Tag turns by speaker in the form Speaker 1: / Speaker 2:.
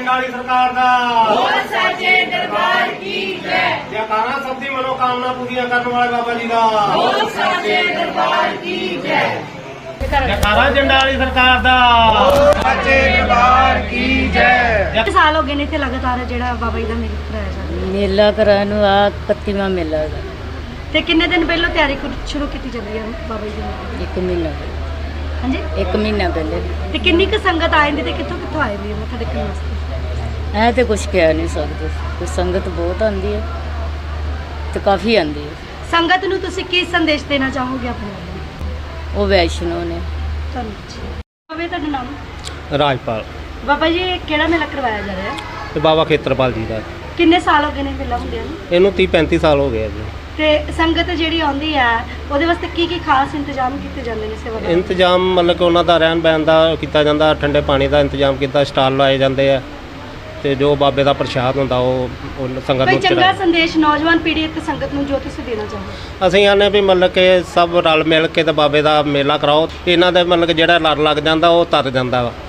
Speaker 1: ਜੰਡਾਲੀ ਸਰਕਾਰ ਦਾ
Speaker 2: बोल साचे दरबार की जय।
Speaker 1: ਜੈਕਾਰਾ ਸਭ ਦੀ ਮਨੋਕਾਮਨਾ ਪੂਰੀਆਂ ਕਰਨ ਵਾਲੇ ਬਾਬਾ ਜੀ ਦਾ
Speaker 2: बोल साचे दरबार की जय।
Speaker 1: ਜੈਕਾਰਾ ਜੰਡਾਲੀ ਸਰਕਾਰ ਦਾ ਸੱਚੇ ਦਰਬਾਰ ਕੀ ਜੈ।
Speaker 3: ਕਿੰਨੇ ਸਾਲ ਹੋ ਗਏ ਨੇ ਇੱਥੇ ਲਗਾਤਾਰ ਜਿਹੜਾ ਬਾਬਾ ਜੀ ਦਾ ਮੇਲਾ ਕਰਾਇਆ ਜਾ ਰਿਹਾ
Speaker 4: ਮੇਲਾ ਕਰਾਉਣ ਨੂੰ ਆ 31ਵਾਂ ਮੇਲਾ ਹੈਗਾ।
Speaker 3: ਤੇ ਕਿੰਨੇ ਦਿਨ ਪਹਿਲਾਂ ਤਿਆਰੀ ਸ਼ੁਰੂ ਕੀਤੀ ਜਾਂਦੀ ਹੈ ਬਾਬਾ ਜੀ ਦੀ ਮੇਲੇ ਦੀ?
Speaker 4: ਇੱਕ ਮਹੀਨਾ
Speaker 3: ਹਾਂਜੀ
Speaker 4: 1 ਮਹੀਨਾ ਪਹਿਲੇ।
Speaker 3: ਤੇ ਕਿੰਨੀ ਕੁ ਸੰਗਤ ਆ ਜਾਂਦੀ ਤੇ ਕਿੱਥੋਂ ਕਿੱਥੋਂ ਆਏ ਵੀ ਮੱਥਾ ਟੇਕਣ ਵਾਸਤੇ?
Speaker 4: ਐ ਤੇ ਕੁਝ ਕਹਿ ਨਹੀਂ ਸਕਦੇ, ਕੋਈ ਸੰਗਤ ਬਹੁਤ ਆਉਂਦੀ ਹੈ ਤੇ ਕਾਫੀ ਆਉਂਦੀ ਹੈ।
Speaker 3: ਸੰਗਤ ਨੂੰ ਤੁਸੀਂ ਕੀ ਸੰਦੇਸ਼ ਦੇਣਾ ਚਾਹੋਗੇ ਆਪਣੇ ਵੱਲੋਂ?
Speaker 4: ਉਹ ਵੈਸ਼ਨੋ ਨੇ।
Speaker 3: ਧੰਨਵਾਦ। ਬਾਬਾ ਤੁਹਾਡਾ ਨਾਮ?
Speaker 1: ਰਾਜਪਾਲ
Speaker 3: ਬਾਬਾ ਜੀ ਇਹ ਕਿਹੜਾ ਮੇਲਾ ਕਰਵਾਇਆ ਜਾ ਰਿਹਾ ਹੈ?
Speaker 1: ਤੇ ਬਾਬਾ ਖੇਤਰਪਾਲ ਜੀ ਦਾ
Speaker 3: ਕਿੰਨੇ ਸਾਲ ਹੋ ਗਏ ਨੇ ਮੇਲਾ ਹੁੰਦਿਆਂ ਨੂੰ?
Speaker 1: ਇਹਨੂੰ 30-35 ਸਾਲ ਹੋ ਗਏ ਆ ਜੀ।
Speaker 3: ਤੇ ਸੰਗਤ ਜਿਹੜੀ ਆਉਂਦੀ ਹੈ ਉਹਦੇ ਵਾਸਤੇ ਕੀ ਕੀ ਖਾਸ ਇੰਤਜ਼ਾਮ ਕੀਤੇ ਜਾਂਦੇ ਨੇ ਸੇਵਾ ਦੇ?
Speaker 1: ਇੰਤਜ਼ਾਮ ਮਤਲਬ ਕਿ ਉਹਨਾਂ ਦਾ ਰਹਿਣ ਬਹਿਣ ਦਾ ਕੀਤਾ ਜਾਂਦਾ, ਠੰਡੇ ਪਾਣੀ ਦਾ ਇੰਤਜ਼ਾਮ ਕੀਤਾ, ਸਟਾਲ ਲਾਏ ਜਾਂਦੇ ਆ ਤੇ ਜੋ ਬਾਬੇ ਦਾ ਪ੍ਰਸ਼ਾਦ ਹੁੰਦਾ ਉਹ ਸੰਗਤ
Speaker 3: ਕੋਈ
Speaker 1: ਨੂੰ
Speaker 3: ਚੰਗਾ
Speaker 1: ਚੜਾਇਆ।
Speaker 3: ਸੰਦੇਸ਼ ਨੌਜਵਾਨ ਪੀੜ੍ਹੀ ਤੇ ਸੰਗਤ ਨੂੰ ਜੋ ਤੁਸੀਂ ਦੇਣਾ ਚਾਹੋ?
Speaker 1: ਅਸੀਂ ਆਨੇ ਵੀ ਮਤਲਬ ਕਿ ਸਭ ਰਲ ਮਿਲ ਕੇ ਤੇ ਬਾਬੇ ਦਾ ਮੇਲਾ ਕਰਾਓ। ਇਹਨਾਂ ਦੇ ਮਤਲਬ ਕਿ ਜਿਹੜਾ ਲੜ ਲੱਗ ਜਾਂਦਾ ਉਹ ਤਰ ਜਾਂਦਾ ਵਾ।